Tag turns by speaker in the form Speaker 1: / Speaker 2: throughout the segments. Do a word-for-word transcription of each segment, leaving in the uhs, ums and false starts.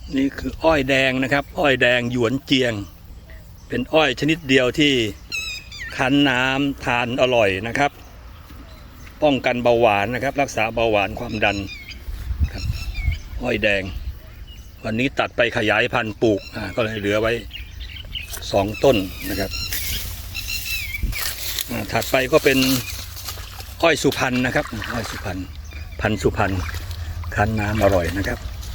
Speaker 1: นี่คืออ้อยแดงนะครับอ้อยแดงหยวนเจียงเป็นอ้อยชนิดเดียวที่คั้นน้ำทานอร่อยนะครับป้องกันเบาหวานนะครับรักษาเบาหวานความดันครับอ้อยแดงวันนี้ตัดไปขยายพันธุ์ปลูกก็เลยเหลือไว้สองต้นนะครับถัดไปก็เป็นอ้อยสุพรรณนะครับอ้อยสุพรรณพันธุ์สุพรรณคั้นน้ำอร่อยนะครับ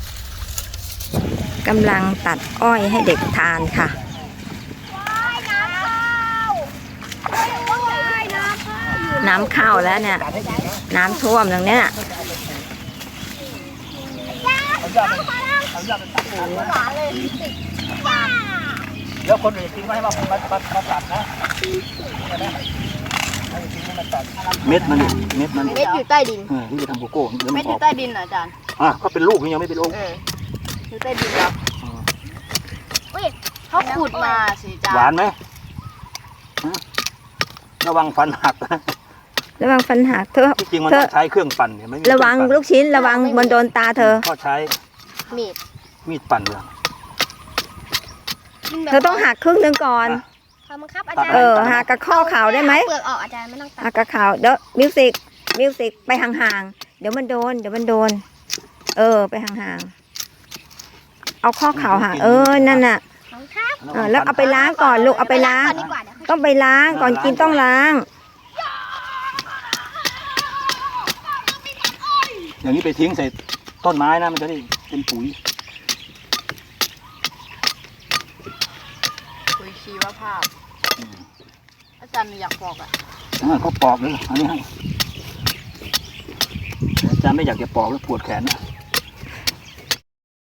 Speaker 2: กำลังตัดอ้อยให้เด็กทานค่ะน้ำเข้าแล้วเนี่ยน้ำท่วมตรงเนี้ย
Speaker 1: แล้วคนอื่นทิ้งไว้ให้มามามามาตัดนะเม็ดมันเม็ดมัน
Speaker 3: เม็ดอยู่ใต้ดิน
Speaker 1: ที่จะทำโกโก้
Speaker 3: เม็ดอยู่ใต้ดินเหรออาจารย์
Speaker 1: อ่ะก็เป็นลูกยังไม่เป็นลูก
Speaker 3: อยู่ใต้ดินครับเขาขุดมาสิอาจารย์
Speaker 1: หวานไหมระวังฟันหักนะ
Speaker 2: ระวังฟันหักเธอ
Speaker 1: จริงมันต้องใช้เครื่องปั่นเนี่ยไม่
Speaker 2: ระวังลูกชิ้นระวังบนโดนตาเธอ
Speaker 1: ก็ใช้
Speaker 3: มีด
Speaker 1: มีดปั่นเลย
Speaker 2: เธอต้องหักครึ่งหนึ่งก่อนเออหักกับข้อเข่าได้ไหม
Speaker 3: เปลือกออกอาจารย์ไม่ต้องตัด
Speaker 2: หักกับเข่าเดี๋ยวมิวสิกมิวสิกไปห่างๆเดี๋ยวมันโดนเดี๋ยวมันโดนเออไปห่างๆเอาข้อเข่าห่างเออนั่นน่ะแล้วเอาไปล้างก่อนลูกเอาไปล้างต้องไปล้างก่อนกินต้องล้าง
Speaker 1: อย่างนี้ไปทิ้งใส่ต้นไม้นะมันจะได้เป็นปุ๋ย
Speaker 3: ปุ๋ยชีวภาพอาจารย์อยากปอกอ่ะ
Speaker 1: เขาปอกเลยอันนี้ให้อาจารย์ไม่อยากจะปอกแล้วปวดแขนนะ